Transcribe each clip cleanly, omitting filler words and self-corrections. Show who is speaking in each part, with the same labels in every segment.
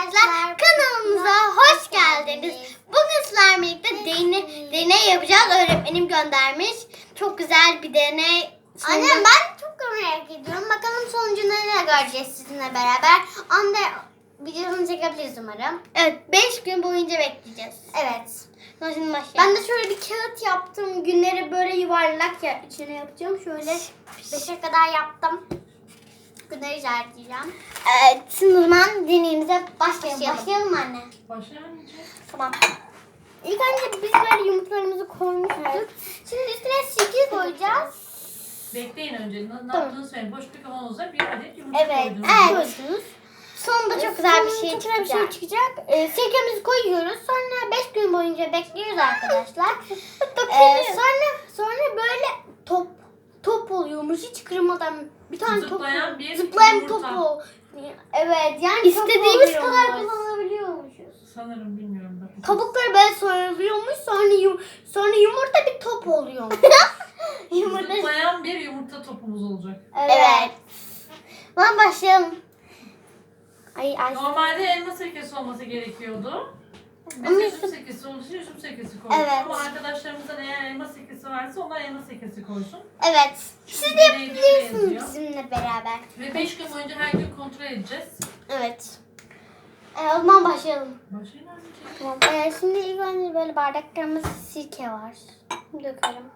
Speaker 1: arkadaşlar, kanalımıza hoş geldiniz. Bugün sizlerle birlikte deney yapacağız. Öğretmenim göndermiş. Çok güzel bir deney. Anne ben çok merak ediyorum. Bakalım sonucunu ne göreceğiz sizinle beraber. Anne videosunu çekebiliriz umarım. Evet, 5 gün boyunca bekleyeceğiz. Evet. Şimdi başlayalım. Ben de şöyle bir kağıt yaptım. Günleri böyle yuvarlak içine yapacağım. Şöyle 5'e kadar yaptım. Günleri işaretleyeceğim. Evet, şimdi o zaman deneyimize başlayalım. Başlayalım mı anne?
Speaker 2: Başlayalım.
Speaker 1: Tamam. İlk önce biz böyle yumurtalarımızı koymuştuk. Evet. Şimdi üstüne sirke koyacağız.
Speaker 2: Bekleyin önce. Ne yaptığını söyleyin. Boş bir kavanozda bir adet yumurta koydunuz.
Speaker 1: Evet. Sonunda çok güzel bir şey çıkacak. Sirkemizi koyuyoruz. Sonra 5 gün boyunca bekliyoruz arkadaşlar. Sonra böyle top oluyormuş. Hiç kırmadan bir tane
Speaker 2: Zıplayan bir
Speaker 1: zıplayan
Speaker 2: yumurta.
Speaker 1: topu. Evet, yani istediğimiz kadar kullanabiliyormuşuz.
Speaker 2: Sanırım bilmiyorum. Bakın.
Speaker 1: Kabukları böyle soyuluyormuş. Sonra yumurta bir top oluyormuş.
Speaker 2: Zıplayan bir yumurta topumuz olacak.
Speaker 1: Evet. Lan başlayalım. Ay.
Speaker 2: Normalde elma sirkesi olması gerekiyordu. Biz üzüm sirkesi olduğu için üzüm sirkesi koyduk.
Speaker 1: Evet.
Speaker 2: Ama arkadaşlarımızdan eğer elma sirkesi varsa onlar elma sirkesi koysun.
Speaker 1: Evet. Siz de yapabilirsiniz bizimle beraber.
Speaker 2: Ve 5 gün boyunca her gün kontrol edeceğiz.
Speaker 1: Evet. O zaman başlayalım.
Speaker 2: Başlayın anneciğim.
Speaker 1: Tamam. Şimdi ilk önce böyle bardaklarımızda sirke var. Dökelim.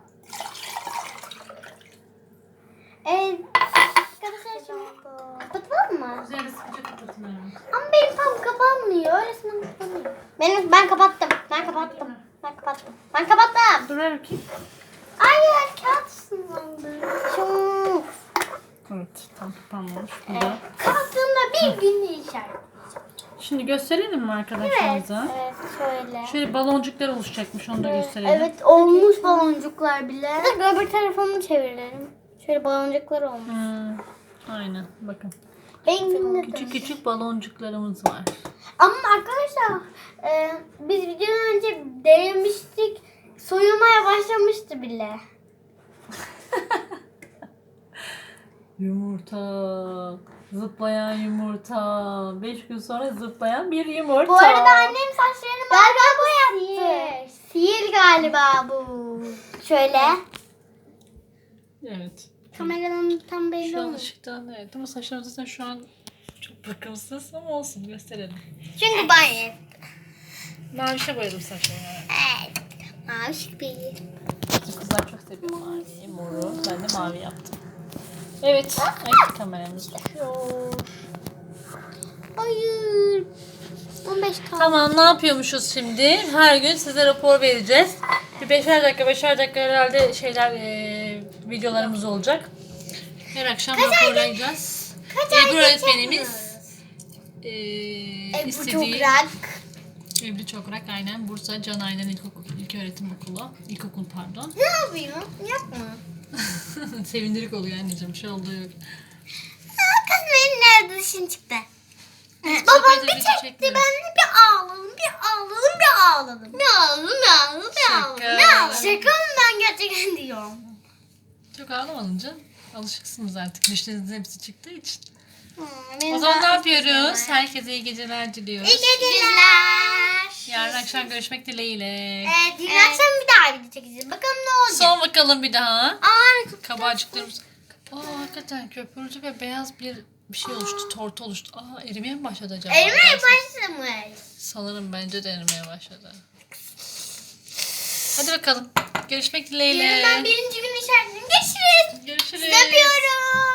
Speaker 1: Arkadaşlar şimdi kapatalım mı?
Speaker 2: Üzerine sıkıca kapatın hemen.
Speaker 1: Ama benim tam kapanmıyor. Öylesine kapanıyor. Ben kapattım. Ben kapattım.
Speaker 2: Dur ver bakayım.
Speaker 1: Hayır, kağıt ısınlandı. Çok.
Speaker 2: Evet, tam kapanmamış.
Speaker 1: Kapattığımda bir gün işaret.
Speaker 2: Şimdi gösterelim mi arkadaşlarımıza?
Speaker 1: Evet, şöyle.
Speaker 2: Şöyle baloncuklar oluşacakmış, onu da gösterelim.
Speaker 1: Evet, olmuş baloncuklar bile. Öbür tarafını çevirelim. Şöyle baloncuklar olmuş.
Speaker 2: Aynen, bakın.
Speaker 1: Küçük
Speaker 2: Küçük baloncuklarımız var.
Speaker 1: Ama arkadaşlar biz videodan önce denemiştik. Soyulmaya başlamıştı bile.
Speaker 2: Yumurta. Zıplayan yumurta. 5 gün sonra zıplayan bir yumurta.
Speaker 1: Bu arada annem saçlarını galiba boyattı. Sihir galiba bu. Şöyle.
Speaker 2: Evet.
Speaker 1: Kameradan tam belli
Speaker 2: Şu an
Speaker 1: olmuyor.
Speaker 2: ışıktan evet ama saçlarım zaten şu an çok bakımsız ama olsun gösterelim.
Speaker 1: Çünkü banyo.
Speaker 2: Mavişe boyadım saçlarımı.
Speaker 1: Evet. Mavi bir.
Speaker 2: Bizim kızlar çok seviyor maviyi, moru. Ben de mavi yaptım. Evet. Ay, kameramız düşüyor.
Speaker 1: Hayır. 15 kaldı.
Speaker 2: Tamam, ne yapıyormuşuz şimdi? Her gün size rapor vereceğiz. Bir 5'er dakika herhalde videolarımız olacak. Her akşam raporlayacağız. Ebru öğretmenimiz
Speaker 1: Ebru
Speaker 2: istediği...
Speaker 1: Çokrak.
Speaker 2: Ebru Çokrak, aynen. Bursa Can Aynen İlköğretim Okulu. İlkokul pardon.
Speaker 1: Ne yapıyor? Yapma.
Speaker 2: Sevindirik oluyor anneciğim. Bir şey olduğu yok.
Speaker 1: Kız benim nerede dışın çıktı. Babam bir çekti, ben de bir ağladım. Şaka mı, ben gerçekten diyorum.
Speaker 2: Çok ağlamadın canım. Alışıksınız artık. Dişlerinizin hepsi çıktığı için.
Speaker 1: Benim
Speaker 2: O zaman ne
Speaker 1: daha
Speaker 2: yapıyoruz? Herkese iyi geceler diliyoruz.
Speaker 1: İyi geceler.
Speaker 2: Yarın akşam görüşmek dileğiyle.
Speaker 1: Evet, dün akşam bir daha video çekeceğiz. Bakalım ne olacak.
Speaker 2: Son bakalım bir daha.
Speaker 1: Çok
Speaker 2: Kabarcıklarımız. Hakikaten köpürdü ve beyaz bir şey oluştu. Tortu oluştu. Erimeye mi başladı acaba?
Speaker 1: erimeye başlamış.
Speaker 2: Sanırım bence de erimeye başladı. Hadi bakalım. Görüşmek dileğiyle.
Speaker 1: Yarın ben birinci gün işaretledim. Görüşürüz.
Speaker 2: Görüşürüz.
Speaker 1: Sizi öpüyorum.